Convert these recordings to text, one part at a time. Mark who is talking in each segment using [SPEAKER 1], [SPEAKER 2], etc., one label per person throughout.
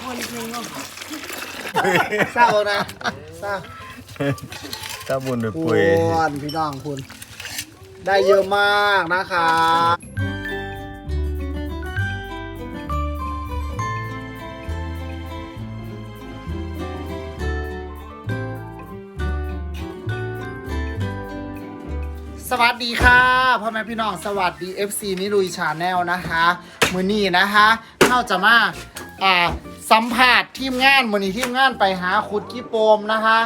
[SPEAKER 1] คนจริงเนาะ
[SPEAKER 2] เศร้านะเศร้า
[SPEAKER 3] ถ้าบุญด้วย
[SPEAKER 2] คุ
[SPEAKER 3] ปุย
[SPEAKER 2] ณพี่น้องคุณได้เยอะมากนะคะสวัสดีค่ะพ่อแม่พี่น้องสวัสดี FC นิลุยชาแนลนะคะมือนี้นะคะเข้าจะมาสัมภาษณ์ทีมงานมือนี้ทีมงานไปหาขุดกี้โปมนะคะ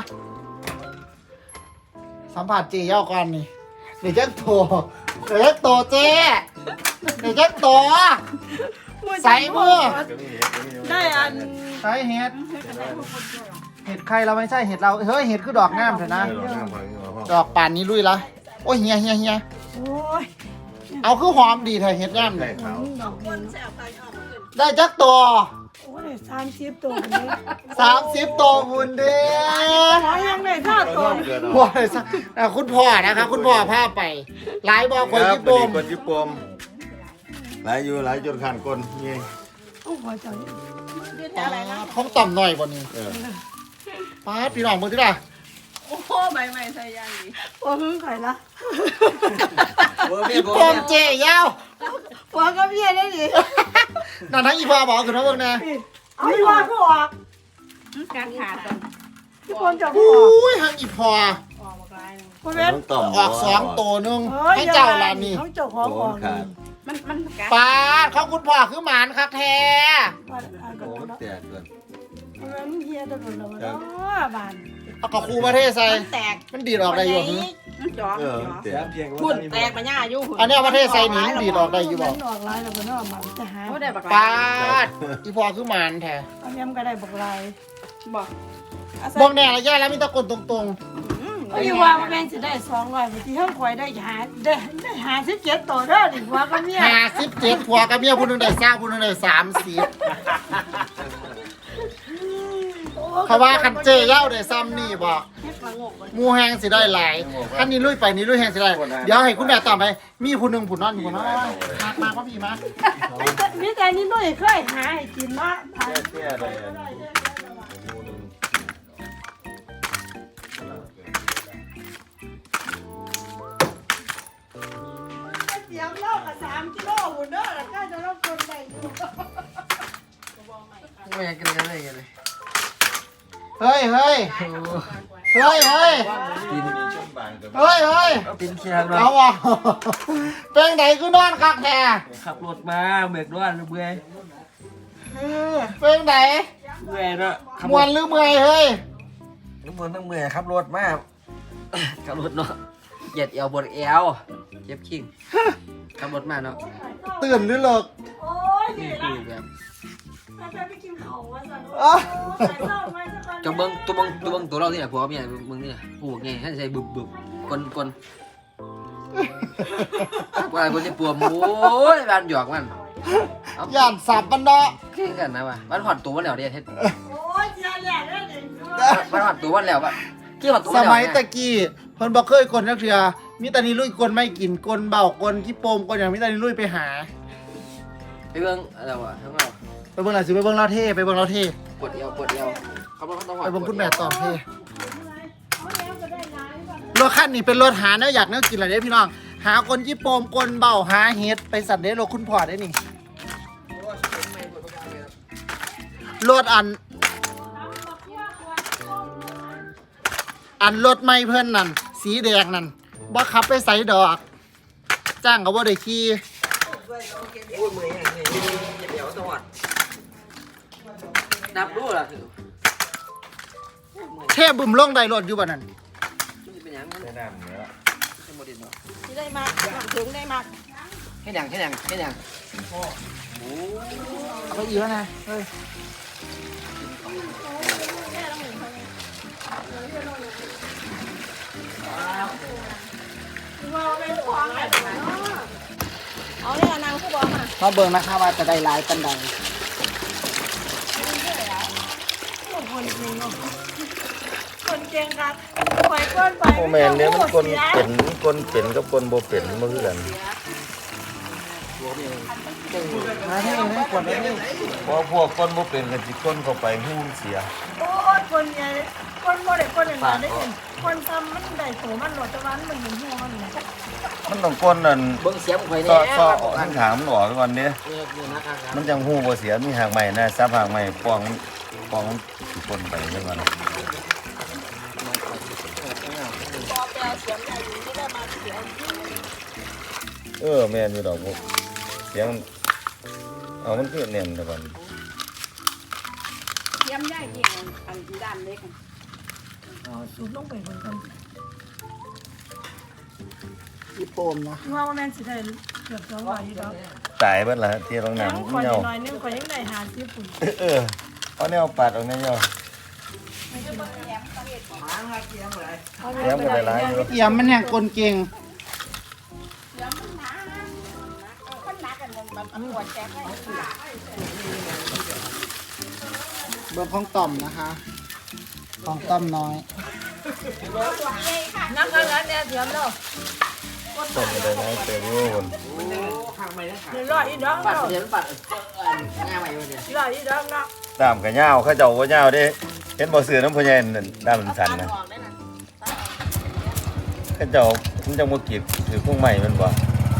[SPEAKER 2] สัมภาษณ์เจ๊ย่อก่อนนี่เดี๋ยวจะโตเดี๋ยวจะโตเจ๊เดี๋ยวจะโตใส่มือ
[SPEAKER 1] ได้อัน
[SPEAKER 2] ใส่เห็ดเห็ดใครเราไม่ใช่เห็ดเราเฮ้ยเห็ดคือดอกงามเถอะนะดอกป่านนี้ลุยละโอ้ยเฮีย
[SPEAKER 1] โอ้ย
[SPEAKER 2] เอาคือหอมดีเถอะเห็ดงามเลย
[SPEAKER 1] ดอกดิน
[SPEAKER 2] ได้จักตัว
[SPEAKER 1] โอ้ย30ตัวนี้
[SPEAKER 2] 30ตัวคุณเด้
[SPEAKER 1] ขอยังได้ท่าตัว
[SPEAKER 2] พ่อเลยสักคุณพ่อนะคะคุณพ่อพาไปหลายบอกคนญี่ปุ่น
[SPEAKER 3] คนญี่ปุ่นหลายอยู่หลายจนขันคนนี่
[SPEAKER 1] โอ้ยขอจัง
[SPEAKER 2] ท้องต่ำหน่อยกว่านี้ป้าพี่น้องมึงที่ไหน
[SPEAKER 4] โอ้โหใบใหม่ใส่ยางดี
[SPEAKER 1] โอ้ยไข่ละ
[SPEAKER 2] ญี่ปุ่นเจ๊ยาว
[SPEAKER 1] หัวก็เบี้ยได้ดิ
[SPEAKER 2] นั่นทั้งอีพ่อบอกคือทั้งเมืองนะ
[SPEAKER 1] เอาอีว่าก็ออก
[SPEAKER 4] การขาดตอน
[SPEAKER 1] ทุกคนจะ
[SPEAKER 2] อ
[SPEAKER 1] ออกุ
[SPEAKER 2] ้ยทั้งอีพ่อ
[SPEAKER 4] ออกมากลาย
[SPEAKER 1] คุณเว้น
[SPEAKER 3] ต้องต่อม
[SPEAKER 2] ออก2ตัวนึงให้เจ้าลานี่
[SPEAKER 1] เขาเจ้าของออก
[SPEAKER 4] มันกัด
[SPEAKER 2] ป้าเขาคุณพ่อคือหมานคักแท้
[SPEAKER 3] โอ้แตกเลย
[SPEAKER 1] คุณเว้นเฮียตะลุนแล้วเนาะบ้าน
[SPEAKER 2] เอากับครูประเทศใส่
[SPEAKER 4] มันแตก
[SPEAKER 2] มันดีดออกได้อยู่หึ
[SPEAKER 4] มันจ่อ
[SPEAKER 3] แตก
[SPEAKER 4] พุ่นแตกมาหน้าอยู่
[SPEAKER 2] อันนี้ประเทศใส่หนีมันดีดออกได้อยู่บอก
[SPEAKER 1] ออกลายแล้วก็เนาะมันจะหา
[SPEAKER 4] เขาได้บัก
[SPEAKER 2] ป้า
[SPEAKER 4] ลาย
[SPEAKER 2] อีพ่อคือหมานแท้
[SPEAKER 1] เอาแม่มก็ได้บอกลาย
[SPEAKER 4] บอก
[SPEAKER 2] บอกแน่ระยะแล้วมีตะกนตรง
[SPEAKER 1] ก็อยู่ว่าแม่งจะได้200บางทีเฮาข่อยได้57ตัวเด้อดิหัวก็เมีย
[SPEAKER 2] ๆ57ผัวกับเมียผู้หนึงได้20ผู้หนึงได้30เขาว่าคันเจเย้าได้ซ้ำนี่บอก
[SPEAKER 4] เฮ็ดละงกเลย
[SPEAKER 2] หมูแหงสิได้หลายคันนี้ลุยไปนี่ลุยแหงสิได้เดี๋ยวให้คุณแม่ตอบไปมีผู้หนึงผู้นอนอยู่ผู้น้อยมาว่าพี่มา
[SPEAKER 1] มีแต่นี่ด้วยเคยหาให้กินเนาะ
[SPEAKER 3] แก่เลย
[SPEAKER 1] เสียงเล่ากับ3กิโลหุ่นเด้อแล้วก็จะรับคนได้อยู่
[SPEAKER 5] ไม่อยากกินอะไรกันเลย
[SPEAKER 2] เฮ้ย
[SPEAKER 5] กิน
[SPEAKER 2] เอา
[SPEAKER 5] กินเชียร์มา
[SPEAKER 2] ว่ะเป็นไหนคือนอนคักแท้
[SPEAKER 5] ขับรถมาเบิกด้วยเบื่อ
[SPEAKER 2] เป็นไหน
[SPEAKER 5] เมื่อยเนาะขับ
[SPEAKER 2] มวนหรือเมื่อยเฮ้ย
[SPEAKER 5] ทั้งมวนทั้งเมื่อยขับรถมาขับรถเนาะเหยียดเอวบนเอวเจ็บขิงขับรถมาเนาะ
[SPEAKER 2] ตื่นหรือเลิก
[SPEAKER 1] โอ้ย
[SPEAKER 5] นี่
[SPEAKER 1] นี่
[SPEAKER 5] คือแบบ
[SPEAKER 1] ถ้าไปกินเขาว่าซั่น
[SPEAKER 2] อ่ะ
[SPEAKER 1] ใส่เล่าไว้สักคน
[SPEAKER 5] จะเบิ้งตัวเราที่ไหนผัวเมียมึงนี่กูไงให้ใส่บึบกลว่าคนที่ปวดโอ้ยบ้านหยอกมัน
[SPEAKER 2] ย่านสับมันเนาะ
[SPEAKER 5] แค่กันนะว่ะบ้านหอดตัววันแล้วเดียเฮ็ด
[SPEAKER 1] โอ้ยเสียแหละเด้อนี่
[SPEAKER 5] บ้านหอดตัววันแล้วป่ะกี่หอดตัว
[SPEAKER 2] ส
[SPEAKER 5] วันแล้ว
[SPEAKER 2] มัยตะกี้เพิ่นบ่เคยกลนักเทื่อมีแต่นี้ลุยกลไม่กินกลเบากลขี้โปมกลอย่างมีแต่นี้ลุยไปหา
[SPEAKER 5] ไปเบิ้งอะไรวะทั้งเรา
[SPEAKER 2] ไปเบิ่งล่ะสิไปเบิ่งเราเท่ไปเบิ่งเราเท่
[SPEAKER 5] ปวดเอวเขาบอกเขาต้องหอด
[SPEAKER 2] ไปเบิ่งคุณแม่ตอบเท่รถคันนี้เป็นรถหาแนวอยากแนวกินอะไรเด้พี่น้องหาคนขี้โปมกลเบาหาเฮ็ดไปสัตว์เด้รถคุณพ่อได้นี่รถอันรถไม่เพิ่นนั่นสีแดงนั่นบ่ขับไปใส่ดอกจ้างก็บ่ได้ขี่
[SPEAKER 5] โอ้ยมืออย่างนี้เดี๋ยวตะวัดนับรู้ล่ะ
[SPEAKER 2] เทบึมลงได้รถอยู่บ่นั่น
[SPEAKER 5] จะเป็นยังไง
[SPEAKER 3] แนะนำเนื้อ
[SPEAKER 5] เป็นโมเดลเนาะ
[SPEAKER 4] ที่ได้มากถึงได้มาก
[SPEAKER 5] แค่ยัง
[SPEAKER 2] เอาไปอีกแล้วนะเฮ้ย
[SPEAKER 4] เอาเนี่ยนางผู้บอกมา
[SPEAKER 2] มาเบิ่งนะคะว่าจะได้หลายปานใด
[SPEAKER 1] คนเก่งครับปล่อยก้นไป
[SPEAKER 3] โมแมนเนี่ยมันคนเป็นกับคนโบเป็นมันคือกัน
[SPEAKER 5] ตัวเมียเก่ง
[SPEAKER 2] มาที่นี่กดเลยนี่
[SPEAKER 3] เพราะพวกก้นบ่เป็นกันสิก้นเข้าไปหูมันเสีย
[SPEAKER 1] โอ้ยคนใหญ่คนบ่ได้คนอย่างนั้นได้ยินคนทำมันได้โตมันหลอดตะวันมันเหมือนหัวมันเลย
[SPEAKER 3] มันต้องก้นนั่น
[SPEAKER 5] เบิ้งเสียมข่อย
[SPEAKER 3] ซ้
[SPEAKER 5] แน่
[SPEAKER 3] อออกทางขางมันออกก่อนเด้
[SPEAKER 5] เนี่ยนะครับ
[SPEAKER 3] มันจังหูบ่เสียมีหางใหม่นะซับหางใหม่ป้องมันสิก้นไปจังว่า
[SPEAKER 4] พอแปลเสียงใหญ่อยู่ที่ได้มาเสียง
[SPEAKER 3] แม่นอยู่ดอกพวกเสียงเอามันคือเน่นแต่ก่อน
[SPEAKER 4] เสียงใหญ่ที่อันด้านเล็ก
[SPEAKER 1] สูบลงไปคนกัน
[SPEAKER 2] อีโปมนะ
[SPEAKER 1] ว่าแม่นสิได้เกือบ200อยู่ดอก
[SPEAKER 3] ตายเบิดละที่ตรง
[SPEAKER 1] แล้
[SPEAKER 3] นั้น
[SPEAKER 1] วข่อย
[SPEAKER 3] เหี่ยว
[SPEAKER 1] น้อยนึงข่อยยังได้50ปุ่น
[SPEAKER 3] เอาแนวปัดออกแนวเหี่ยวเสียงก็ได้หลายอยู่
[SPEAKER 2] เอี่ยมมันแห่งกลเก่ง
[SPEAKER 4] คนนักกันมันปวดแจ๊กให้
[SPEAKER 2] เบอร์ของต่อมนะคะ ของต่อมน้อย
[SPEAKER 1] นักกันแล้วเนี่ยเสียมเนาะ
[SPEAKER 3] ต้นก็ได้หลายเติบอยู่พุ่น
[SPEAKER 5] ข้างไม่ได้ขา
[SPEAKER 1] เดี๋ยวรออีดอก
[SPEAKER 5] ปัด
[SPEAKER 1] เนาะ
[SPEAKER 5] เสียมปัดง่ายไปวันเนี่ย
[SPEAKER 1] รออีดอกเนาะ
[SPEAKER 3] ดามก็ยาวเขาเจ้าบ่ยาวเด้เห็นบ่ซื้อน้ำพ่อใหญ่นั่นดามมันสั้นนะ
[SPEAKER 4] ออกได้น่ะ
[SPEAKER 3] เขาเจ้ามันจังบ่กีดถือพวกใหม่มันบ่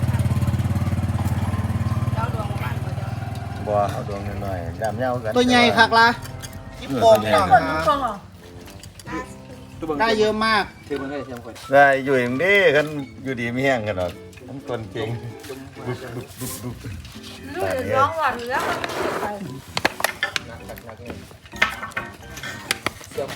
[SPEAKER 4] แล้วดวงบ้านก็จะ
[SPEAKER 3] บ่เอาดวงน้อยๆดามยาวกัน
[SPEAKER 2] ตัวใหญ่คักละอีโปมพี่น้อง
[SPEAKER 1] คน
[SPEAKER 2] นะ
[SPEAKER 1] ฟังอ่ะ
[SPEAKER 2] ได้เยอะมาก
[SPEAKER 5] คือมันให้เสียมข่อย
[SPEAKER 3] ได้อยู่เองเด้คันอยู่ดีมีแห้งกันดอกมันต้นเก่งดุบ
[SPEAKER 1] ลูกน้องว่าแล้วไป
[SPEAKER 5] หนักเลยเสียม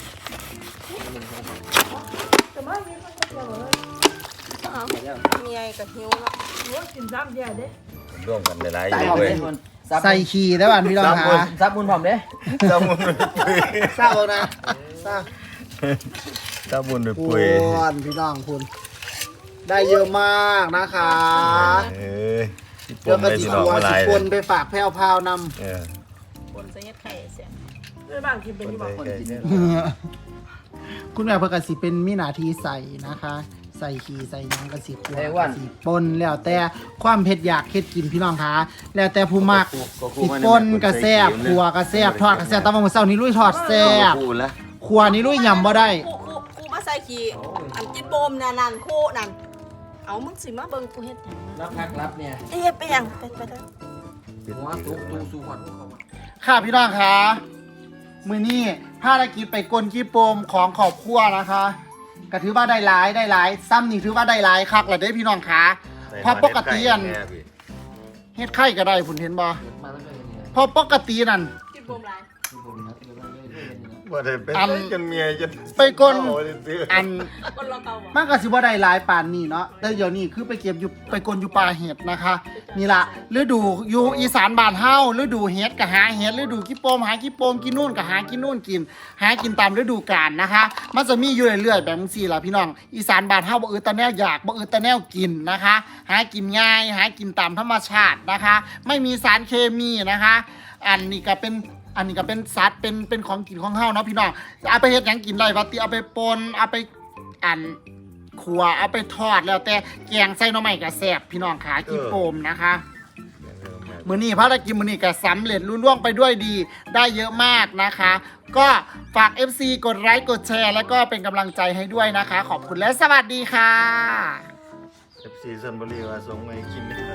[SPEAKER 1] แต่ว่ามีคนก็เลย
[SPEAKER 4] เมียกับหิวแล้ว
[SPEAKER 1] ว่ากินซ้ำแย่เด้
[SPEAKER 3] ร่วมกันหลายๆอยู่เว้ย
[SPEAKER 2] ใส่ขี่ได้ป่ะพี่น้องคะ
[SPEAKER 5] ซับมุนพร้อมเด้
[SPEAKER 3] ตาบุญปุย
[SPEAKER 2] เศร้านะเศร้า
[SPEAKER 3] ตาบุญ
[SPEAKER 2] คุ
[SPEAKER 3] ปุย
[SPEAKER 2] ณพี่น้องคุณได้เยอะมากนะคะ
[SPEAKER 3] เอ้ยที่ป
[SPEAKER 2] เดี๋ยว
[SPEAKER 3] ม
[SPEAKER 2] ก็
[SPEAKER 3] ได้
[SPEAKER 2] สิ
[SPEAKER 3] พี่น้อง
[SPEAKER 2] ตัว
[SPEAKER 3] มาห
[SPEAKER 2] สิ
[SPEAKER 3] ลาย
[SPEAKER 2] ปนไปฝากแพรวพราวนำ
[SPEAKER 3] เออ
[SPEAKER 4] คนจะยัดไข่เสียง
[SPEAKER 1] ไม่บางกินเป็น
[SPEAKER 3] คน
[SPEAKER 1] ที่
[SPEAKER 3] ไป
[SPEAKER 1] บอกคน
[SPEAKER 3] ใกล้
[SPEAKER 1] กิน
[SPEAKER 3] เนี่ย
[SPEAKER 2] คุณแม่เพื่อกสิเป็นมินาทีใส่นะคะ ใส่ขี่ใส่หยังกสิขัวกสิปนแล้วแต่ความเผ็ดอยากเฮ็ดกินพี่น้องคะแล้วแต่ผู้มักสิปนกระแซบขัวกระแซบทอดกระแซบตะวันมื้อเช้านี้ลุยทอดแซบ
[SPEAKER 3] พูดแล้ว
[SPEAKER 2] ขัวนี้ลุยยำบ่ได้
[SPEAKER 4] คู่มาใส่ขี้อันกินโบมนั่นคู่นั่นเอามึงสิมาเบิ่งกูเฮ็ดหยัง
[SPEAKER 5] รับพักรับเนี่ย
[SPEAKER 4] เอ๊ะไปยังไปเด้อ
[SPEAKER 5] หัวตุ๊กตูสู้ก่อน
[SPEAKER 2] ค่ะพี่น้องคะมือนี้ภารกิจไปกลขี้โปมของขอบครัวนะคะก็ถือว่าได้หลายซ้ำนี่ถือว่าได้หลายคักแหละเด้พี่น้องคะเพราะปกติอันเฮ็ดไข่ก็ได้ผุนเห็นบ่
[SPEAKER 5] มาแล้วก็เนี่ย
[SPEAKER 2] เพราะปกตินั่น
[SPEAKER 4] กินโบมหลาย
[SPEAKER 3] ว่าได้เป็นจนเมียจน
[SPEAKER 2] ไปกลอัน
[SPEAKER 4] คนเราเก่าบ่
[SPEAKER 2] มันก็สิบ่ได้หลายปานนี้เนาะแต่เดี๋ยวนี้คือไปเก็บอยู่ไปกลอยู่ป่าเห็ดนะคะนี่ล่ะฤดูอยู่อีสานบ้านเฮาฤดูเห็ดก็หาเห็ดฤดูขี้โปมหาขี้โปมกินนู่นก็หากินนู่นกิน หากินตามฤดูกาลนะคะ มันจะมีอยู่เรื่อยๆแบบนี้ล่ะพี่น้องอีสานบ้านเฮาบ่อืดตะแนวอยากบ่อืดตะแนวกินนะคะ หากินง่ายหากินตามธรรมชาตินะคะ ไม่มีสารเคมีนะคะ อันนี้ก็เป็นสัตว์เป็นของกินของเฮาเนาะพี่น้องเอาไปเฮ็ดหยังกินได้ว่าติเอาไปปนเอาไปอันขัวเอาไปทอดแล้วแต่แกงใส่หน่อไม้ก็แซ่บพี่น้องขาขี้โปมนะคะมื้อนี้ภารกิจมื้อนี้ก็สำเร็จรุ่ล่วงไปด้วยดีได้เยอะมากนะคะ ก็ฝาก FC กดไลค์กดแชร์แล้วก็เป็นกำลังใจให้ด้วยนะคะ ขอบคุณและสวัสดีค่ะ
[SPEAKER 3] FC ซันบุรีว่าส่งมาให้กิน